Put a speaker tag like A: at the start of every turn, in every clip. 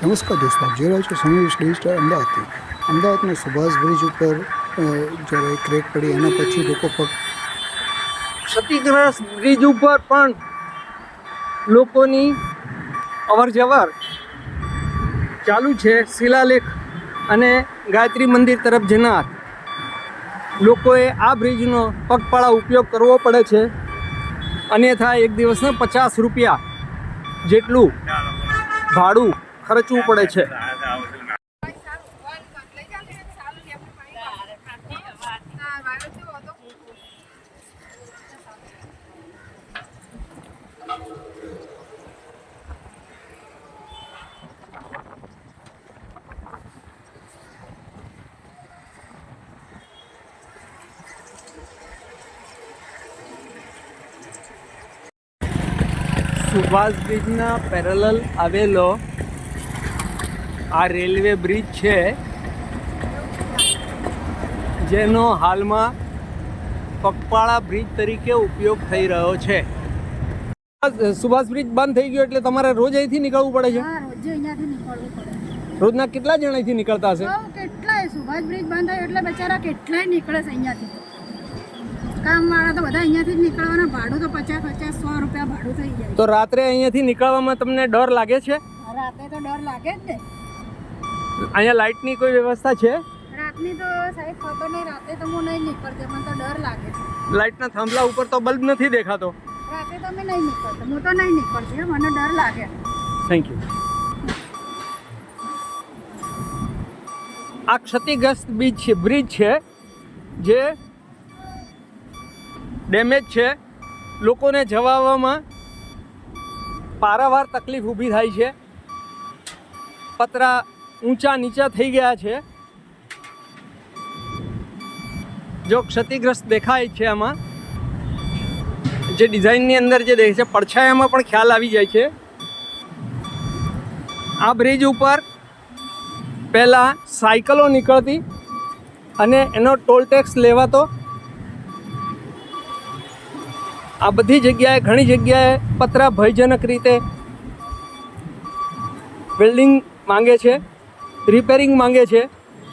A: નમસ્કાર દોસ્તો, આપ જોઈ રહ્યા છો સમીર ડિજિટલ અમદાવાદથી. અમદાવાદના સુભાષ બ્રિજ ઉપર જ્યારે ક્રેક પડી એના પછી લોકો
B: ક્ષતિગ્રસ્ત બ્રિજ ઉપર પણ લોકોની અવર જવર ચાલુ છે. શિલાલેખ અને ગાયત્રી મંદિર તરફ જનાર લોકોએ આ બ્રિજનો પગપાળા ઉપયોગ કરવો પડે છે, અન્યથા એક દિવસના 50 રૂપિયા જેટલું ભાડું ખર્ચવું પડે છે. સુભાષ બ્રિજના પેરેલલ આવેલો આ રેલવે બ્રિજ છે, જેનો હાલમાં પગપાળા બ્રિજ તરીકે ઉપયોગ થઈ રહ્યો છે. સુભાષ બ્રિજ બંધ થઈ ગયો એટલે તમારે રોજ અહીંથી નીકળવું પડે છે?
C: રોજ અહીંયાથી નીકળવું પડે.
B: રોજના કેટલા જણ અહીંથી નીકળતા હશે?
C: કેટલાય સુભાષ બ્રિજ બંધ થયો એટલે બચારા કેટલાય નીકળે છે અહીંયાથી. કામવાળા તો બધા અહીંયાથી જ નીકળવાના. ભાડું તો 50-100 રૂપિયા ભાડું થઈ જાય.
B: તો રાત્રે અહીંયાથી નીકળવામાં તમને ડર લાગે છે?
C: રાતે તો ડર લાગે જ ને.
B: અહીંયા લાઇટની કોઈ વ્યવસ્થા છે?
C: રાતની તો સાહેબ ખબર નહીં. રાતે તો હું નહીં નીકળતી, મને તો ડર લાગે છે.
B: લાઇટના થાંભલા ઉપર તો બલ્બ નથી દેખાતો.
C: રાતે તો અમે નહીં નીકળતા, હું તો નહીં નીકળતી, મને ડર લાગે.
B: Thank you. આ ક્ષતિગ્રસ્ત બ્રિજ છે જે ડેમેજ છે. લોકોને જવા આવવામાં પારાવાર તકલીફ ઊભી થાય છે. પતરા ઊંચા નીચા થઈ ગયા છે. જો ક્ષતિગ્રસ્ત દેખાય છે આમાં, જે ડિઝાઇનની અંદર જે દેખાય છે, પડછાયામાં પણ ખ્યાલ આવી જાય છે. આ બ્રિજ ઉપર પહેલાં સાયકલો નીકળતી અને એનો ટોલ ટેક્સ લેવાતો. આ બધી જગ્યાએ, ઘણી જગ્યાએ પતરા ભયજનક રીતે બિલ્ડિંગ માંગે છે, રિપેરિંગ માંગે છે.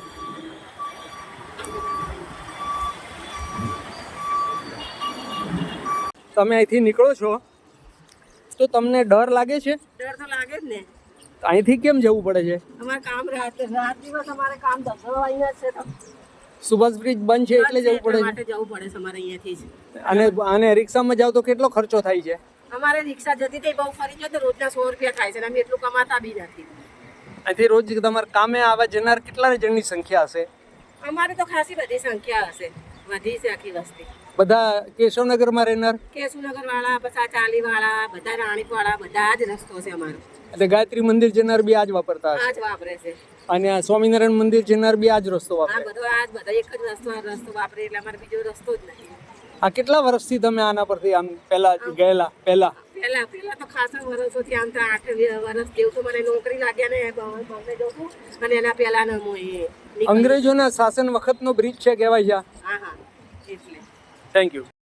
B: તમે અહીંથી નીકળો છો તો તમને ડર લાગે છે?
C: ડર તો લાગે જ ને.
B: અહીંથી કેમ જવું પડે છે?
C: અમારે કામ રાત દિવસ અમારે કામ ધંધો અહીંયા છે તો
B: સુભાષ બ્રિજ બંધ છે એટલે જવું પડે છે.
C: જવું પડે છે અમારે અહીંયાથી જ.
B: અને રિક્ષામાં જાવ તો કેટલો ખર્ચો થાય છે?
C: અમારે રિક્ષા જતી હતી બહુ ફરી જાય તો રોજના 100 રૂપિયા થાય છે અને અમે એટલું કમાતા બી નથી.
B: અહીંથી રોજ તમારે કામે આવવા જનાર કેટલા જણની સંખ્યા હશે?
C: અમારે તો ખાસી બધી સંખ્યા હશે, વધી છે આખી વસ્તી.
B: બધા કેશવનગરમાં રહેનાર?
C: કેશુનગર વાળા, પછી ચાલી વાળા, બધા રાણીપ વાળા, બધા જ રસ્તો છે અમારો.
B: એટલે ગાયત્રી મંદિર જનાર બી આજ વાપરતા હશે?
C: આ જ વાપરે છે.
B: અને આ સ્વામિનારાયણ મંદિર જનાર બી આજ રસ્તો વાપરે?
C: આ બધો બધા એક જ રસ્તો વાપરે એટલે અમારે બીજો રસ્તો જ નથી.
B: આ કેટલા વર્ષથી તમે આના પરથી આમ પહેલા ગયેલા? પહેલા
C: તો ખાસા વર્ષોથી આમ તો 8 વર્ષ જેવું તો મને નોકરી લાગ્યા ને બોમ્બે જઉં છું અને એના પહેલાનો હું
B: અંગ્રેજોના શાસન વખતનો બ્રિજ છે કહેવાય છે.
C: હા એટલે
B: થેન્ક યુ.